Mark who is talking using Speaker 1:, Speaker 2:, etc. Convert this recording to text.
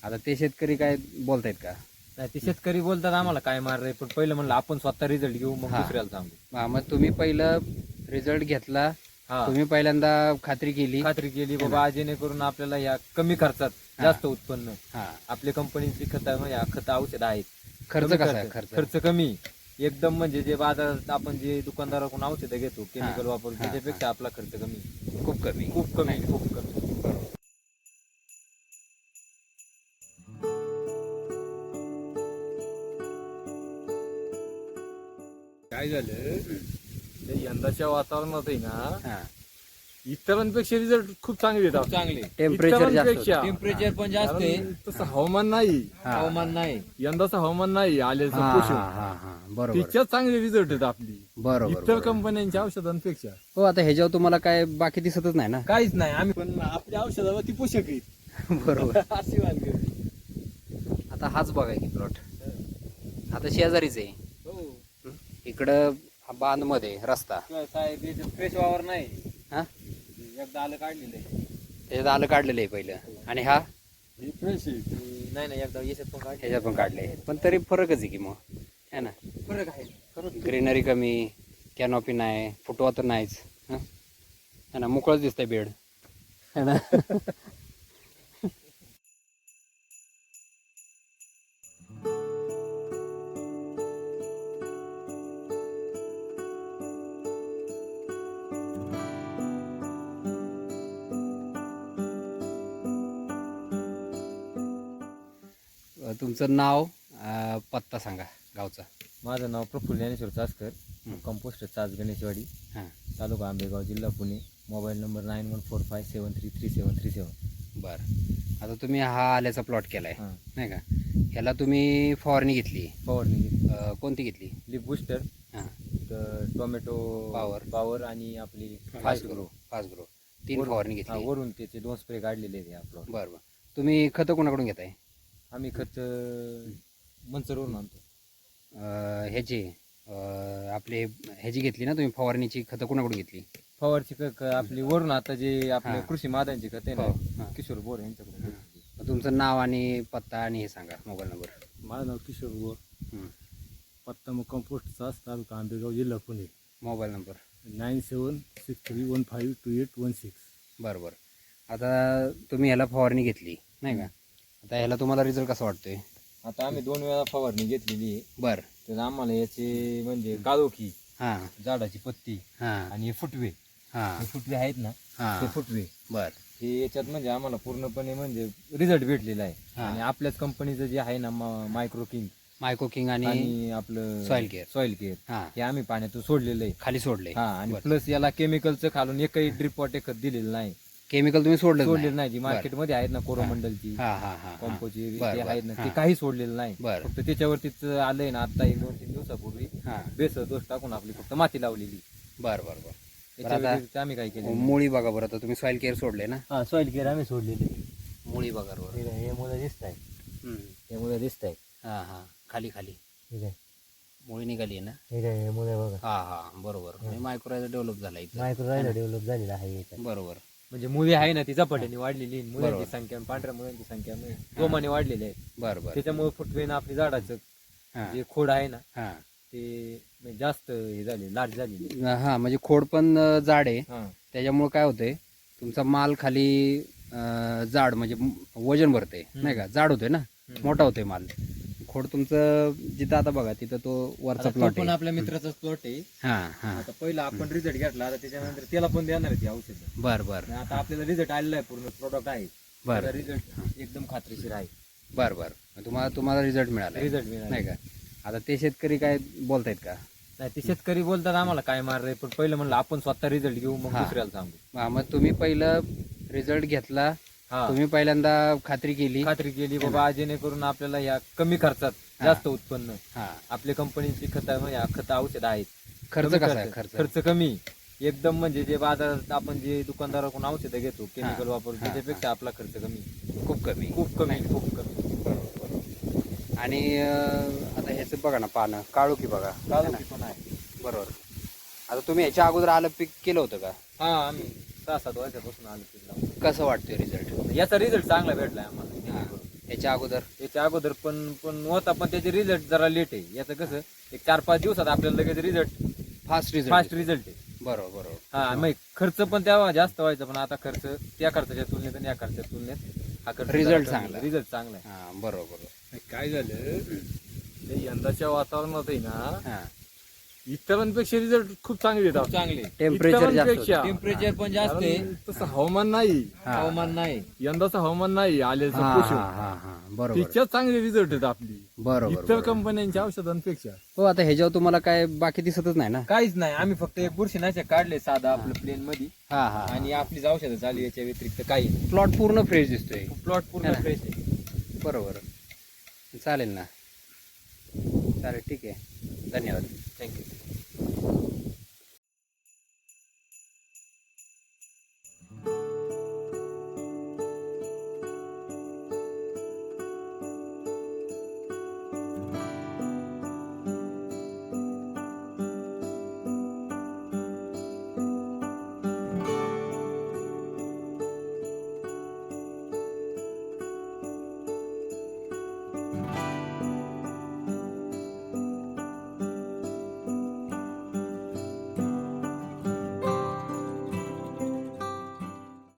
Speaker 1: आता ते शेतकरी काय बोलतायत का?
Speaker 2: नाही ते शेतकरी बोलतात आम्हाला काय मार रे, पण पहिलं म्हणलं आपण स्वतः रिझल्ट घेऊ मग
Speaker 1: हा.
Speaker 2: दुसऱ्याला सांगू.
Speaker 1: हा, मग तुम्ही पहिलं रिझल्ट घेतला,
Speaker 2: हा
Speaker 1: तुम्ही पहिल्यांदा खात्री केली.
Speaker 2: खात्री केली बाबा जेणेकरून आपल्याला या कमी खर्चात जास्त उत्पन्न.
Speaker 1: हा,
Speaker 2: आपल्या कंपनीची खत म्हणजे खत औषध आहेत.
Speaker 1: खर्च
Speaker 2: कमी
Speaker 1: कसा आहे?
Speaker 2: खर्च कमी एकदम, म्हणजे जे बाजारात आपण जे दुकानदाराकडून औषधं घेतो केमिकल वापरून
Speaker 1: हा,
Speaker 2: त्याच्यापेक्षा आपला खर्च कमी,
Speaker 1: खूप कमी.
Speaker 2: खूप कमी, खूप कमी. काय झालं ते यंदाच्या वातावरणात आहे ना,
Speaker 1: हा,
Speaker 2: इतरांपेक्षा रिझल्ट खूप चांगले येतात. चांगले
Speaker 1: टेम्परेचर जास्त
Speaker 2: इतरांपेक्षा.
Speaker 1: टेम्परेचर
Speaker 2: पण जास्त आहे. तसं हवामान नाही,
Speaker 1: हवामान
Speaker 2: नाही यंदाचं हवामान नाही आलेलं
Speaker 1: हा,
Speaker 2: पोषण.
Speaker 1: हा, हा, बरोबर
Speaker 2: तिच्यात चांगले रिझल्ट आहेत आपली
Speaker 1: बरोबर
Speaker 2: इतर
Speaker 1: बरोबर.
Speaker 2: कंपन्यांच्या औषधांपेक्षा.
Speaker 1: हो, आता ह्याच्यावर तुम्हाला काय बाकी दिसतच नाही ना.
Speaker 2: काहीच नाही, आम्ही पण आपल्या औषधावर ती पोषक आहेत.
Speaker 1: बरोबर.
Speaker 2: अशी वानगी.
Speaker 1: आता हाच बघा की प्लॉट आता शेजारीच आहे.
Speaker 2: हो
Speaker 1: इकडं बांध मध्ये रस्ता.
Speaker 2: साहेब फ्रेश वावर नाही,
Speaker 1: हा,
Speaker 2: एकदा आलं काढलेलं आहे.
Speaker 1: त्याच्यात आलं काढलेलं आहे पहिलं, आणि हा
Speaker 2: फ्रेश नाही नाही, एकदा याच्यात पण काढ,
Speaker 1: ह्याच्यात पण काढले, पण तरी फरकच आहे की मग, है ना.
Speaker 2: फरक आहे, खरंच.
Speaker 1: ग्रीनरी कमी, कॅनॉपी नाही, फुटवा तर नाहीच, है ना. मोकळंच दिसतंय बेड, है ना. तुमचं नाव, पत्ता सांगा गावचा.
Speaker 2: माझं नाव प्रफुल्ल ज्ञानेश्वर चासकर, कंपोस्ट चास गणेशवाडी,
Speaker 1: हां,
Speaker 2: तालुका आंबेगाव, जिल्हा पुणे. Mobile number 9145733737.
Speaker 1: बरं. आता तुम्ही हा आल्याचा प्लॉट केलाय,
Speaker 2: हां,
Speaker 1: नाही का. ह्याला तुम्ही फवारणी घेतली,
Speaker 2: फवारणी घेतली.
Speaker 1: कोणती घेतली?
Speaker 2: लिप बुस्टर,
Speaker 1: हां,
Speaker 2: टोमॅटो पावर आणि आपली
Speaker 1: फास्ट ग्रो 3 फवारणी घेतली.
Speaker 2: वरून त्याचे 2 स्प्रे काढलेले आहेत आपलं.
Speaker 1: बरं बरं. तुम्ही खतं कोणाकडून घेताय?
Speaker 2: आम्ही खत मंचरवरून आणतो.
Speaker 1: ह्याची आपले ह्याची घेतली ना तुम्ही फवारणीची खतं कोणाकडून घेतली?
Speaker 2: फवारची आपली वरून आता जे आपले
Speaker 1: हां.
Speaker 2: कृषी मादांची खत आहे
Speaker 1: हो,
Speaker 2: ना,
Speaker 1: हां.
Speaker 2: किशोर बोर यांच्याकडून घेतली.
Speaker 1: मग तुमचं नाव आणि पत्ता आणि हे सांगा, मोबाईल नंबर.
Speaker 3: माझं नाव किशोर बोर,
Speaker 1: हं.
Speaker 3: पत्ता मग कंपोस्ट चास, तालुका आंबेगाव, जिल्हा पुणे.
Speaker 1: Mobile number.
Speaker 3: 9763152816.
Speaker 1: बरं बरं. आता तुम्ही ह्याला फवारणी घेतली, नाही का. आता ह्याला तुम्हाला रिझल्ट कसा वाटतोय?
Speaker 2: आता आम्ही 2 वेळा फवारणी घेतलेली आहे.
Speaker 1: बरं.
Speaker 2: तर आम्हाला याचे म्हणजे काळोखी,
Speaker 1: हां
Speaker 2: झाडाची पत्ती
Speaker 1: हां
Speaker 2: आणि हे फुटवे,
Speaker 1: हां
Speaker 2: हे फुटवे आहेत ना, ते
Speaker 1: हां.
Speaker 2: फुटवे
Speaker 1: बरं.
Speaker 2: हे याच्यात म्हणजे आम्हाला पूर्णपणे म्हणजे रिझल्ट भेटलेला आहे.
Speaker 1: हां.
Speaker 2: आणि आपल्याच कंपनीचं जे आहे ना मायक्रो किंग
Speaker 1: मायको किंग आणि
Speaker 2: आणि आपलं
Speaker 1: सॉइल
Speaker 2: सॉइल केअर
Speaker 1: हां
Speaker 2: हे आम्ही पाण्यातून सोडलेलं आहे.
Speaker 1: खाली सोडले.
Speaker 2: हा, आणि
Speaker 1: बरं.
Speaker 2: प्लस याला केमिकलचं खालून एकही ड्रिप वॉटर खत दिलेलं नाही,
Speaker 1: केमिकल तुम्ही
Speaker 2: सोडलेलं नाही. जी मार्केटमध्ये आहेत ना कोरोमंडलची,
Speaker 1: हां हां हां.
Speaker 2: कॉम्पोची
Speaker 1: बरं,
Speaker 2: ते
Speaker 1: बरं.
Speaker 2: आहेत ना, ते
Speaker 1: हां.
Speaker 2: काही सोडलेलं नाही.
Speaker 1: बरं.
Speaker 2: फक्त त्याच्यावरतीच आलंय ना आता 1-2-3 दिवसापूर्वी
Speaker 1: हां.
Speaker 2: बेस दोष टाकून आपली फक्त माती लावलेली.
Speaker 1: बरं बरं बरं.
Speaker 2: त्याच्या
Speaker 1: आता-
Speaker 2: व्यतिरिक्त आम्ही काय केलं?
Speaker 1: मुळी बघा बरं. आता तुम्ही सॉइल केअर सोडले ना,
Speaker 2: हा, सॉइल केअर आम्ही सोडलेली.
Speaker 1: मुळी बघा बरोबर.
Speaker 2: हे मुलं दिसत आहे,
Speaker 1: हं.
Speaker 2: हे मुलं दिसत आहे.
Speaker 1: हां हां. खाली खाली
Speaker 2: ठीक आहे,
Speaker 1: मुळी निघाली आहे ना.
Speaker 2: ठीक आहे. हे मुलं बघा,
Speaker 1: हां हां बरोबर. म्हणजे मायक्रोरायझर डेव्हलप झाला इथं.
Speaker 2: मायक्रोरायझर डेव्हलप झालेला आहे.
Speaker 1: बरोबर
Speaker 2: म्हणजे मुली आहे ना ती झपाट्याने वाढलेली, मुलांची
Speaker 1: बरोबर.
Speaker 2: संख्या पांढऱ्या मुलांची संख्या जोमाने वाढलेली आहे.
Speaker 1: बरं बरं.
Speaker 2: त्याच्यामुळे फुटवेन आपली झाडाचं
Speaker 1: हां
Speaker 2: जे खोड आहे ना
Speaker 1: हां
Speaker 2: ते म्हणजे जास्त हे झाले, लाट झालेली.
Speaker 1: हां. म्हणजे खोड पण जाड आहे.
Speaker 2: हा,
Speaker 1: त्याच्यामुळे काय होतंय, तुमचा माल खाली जाड म्हणजे वजन भरते, नाही का. जाड होतोय ना, मोठा होतोय माल. खोड तुमचं जिथं आता बघा तिथं तो वरचा
Speaker 2: आता तो
Speaker 1: प्लॉट
Speaker 2: पण
Speaker 1: आहे.
Speaker 2: आपल्या मित्राचाच प्लॉट आहे.
Speaker 1: हां हां.
Speaker 2: आता पहिला आपण रिझल्ट घेतला, आता त्याच्यानंतर त्याला पण देणार आहे ती औषध.
Speaker 1: बरं बरं
Speaker 2: आता आपल्याला रिझल्ट आलेला आहे, पूर्ण प्रोडक्ट आहे.
Speaker 1: बरं
Speaker 2: रिझल्ट एकदम खात्रीशीर आहे.
Speaker 1: बरं बरं. तुम्हाला रिझल्ट मिळाला
Speaker 2: रिझल्ट मिळाला
Speaker 1: नाही का. आता ते शेतकरी काय बोलतायत का?
Speaker 2: नाही, ते शेतकरी बोलतात आम्हाला काय मार रे, पण पहिलं म्हणलं आपण स्वतः रिझल्ट घेऊ मग
Speaker 1: हा.
Speaker 2: दुसऱ्याला सांगू.
Speaker 1: हां, मग तुम्ही पहिलं रिझल्ट घेतला,
Speaker 2: हा,
Speaker 1: तुम्ही पहिल्यांदा खात्री केली.
Speaker 2: खात्री केली बाबा जेणेकरून आपल्याला या कमी खर्चात जास्त उत्पन्न.
Speaker 1: हां.
Speaker 2: आपल्या कंपनीची खत म्हणजे खत औषध आहेत.
Speaker 1: खर्च
Speaker 2: कमी
Speaker 1: कसा आहे?
Speaker 2: खर्च कमी एकदम, म्हणजे जे बाजारात आपण जे दुकानदाराकडून औषधं घेतो केमिकल वापरून
Speaker 1: हा,
Speaker 2: त्याच्यापेक्षा आपला खर्च कमी,
Speaker 1: खूप कमी.
Speaker 2: खूप कमी, खूप कमी.
Speaker 1: आणि आता ह्याचं बघा ना, पानं काळोखी बघा.
Speaker 2: काळोखी पण आहे.
Speaker 1: बरोबर. आता तुम्ही ह्याच्या अगोदर आलं पीक केलं होतं का?
Speaker 2: हा, आम्ही 6-7 वर्षापासून आलो पीक लावून.
Speaker 1: कसं वाटतंय रिझल्ट?
Speaker 2: याचा रिझल्ट चांगला भेटलाय आम्हाला.
Speaker 1: याच्या अगोदर
Speaker 2: याच्या अगोदर पण होता, पण त्याचे रिझल्ट जरा लेट आहे. याचं कसं एक 4-5 दिवसात आपल्याला लगेच result
Speaker 1: fast
Speaker 2: fast
Speaker 1: result.
Speaker 2: Result आहे.
Speaker 1: बरोबर.
Speaker 2: हा मग खर्च पण तेव्हा जास्त व्हायचा, पण आता खर्च त्या खर्चाच्या तुलनेत आणि या खर्चाच्या तुलनेत हा खर्च
Speaker 1: Result चांगला.
Speaker 2: रिझल्ट चांगला आहे.
Speaker 1: हा बरोबर.
Speaker 3: काय झालं ते यंदाच्या वातावरणात आहे ना
Speaker 1: हा
Speaker 3: इतरांपेक्षा रिझल्ट खूप चांगले येतात.
Speaker 2: चांगले
Speaker 1: टेम्परेचर जास्त
Speaker 3: इतरांपेक्षा.
Speaker 1: होतं.
Speaker 2: टेम्परेचर पण जास्त आहे,
Speaker 3: कारण तसं हवामान नाही,
Speaker 1: हा.
Speaker 2: हवामान नाही.
Speaker 3: यंदाचं हवामान नाही आलेलं
Speaker 1: हा
Speaker 3: पोषण.
Speaker 1: हा हा बरोबर
Speaker 3: तिच्यात चांगले रिझल्ट आहेत आपली
Speaker 1: बरोबर
Speaker 3: इतर
Speaker 1: बरोबर.
Speaker 3: कंपन्यांच्या औषधांपेक्षा.
Speaker 1: हो आता ह्याच्यावर तुम्हाला काय बाकी दिसतच नाही ना.
Speaker 2: काहीच नाही. आम्ही फक्त एक बुरशीनाशक काढले साधा आपलं प्लेन मध्ये,
Speaker 1: हा हा
Speaker 2: आणि आपलीच औषधं चालू याच्या व्यतिरिक्त काही नाही.
Speaker 1: प्लॉट पूर्ण फ्रेश दिसतोय.
Speaker 2: प्लॉट पूर्ण
Speaker 1: हा.
Speaker 2: फ्रेश आहे.
Speaker 1: बरोबर. चालेल ना. चालेल ठीक आहे. धन्यवाद.
Speaker 2: थँक्यू.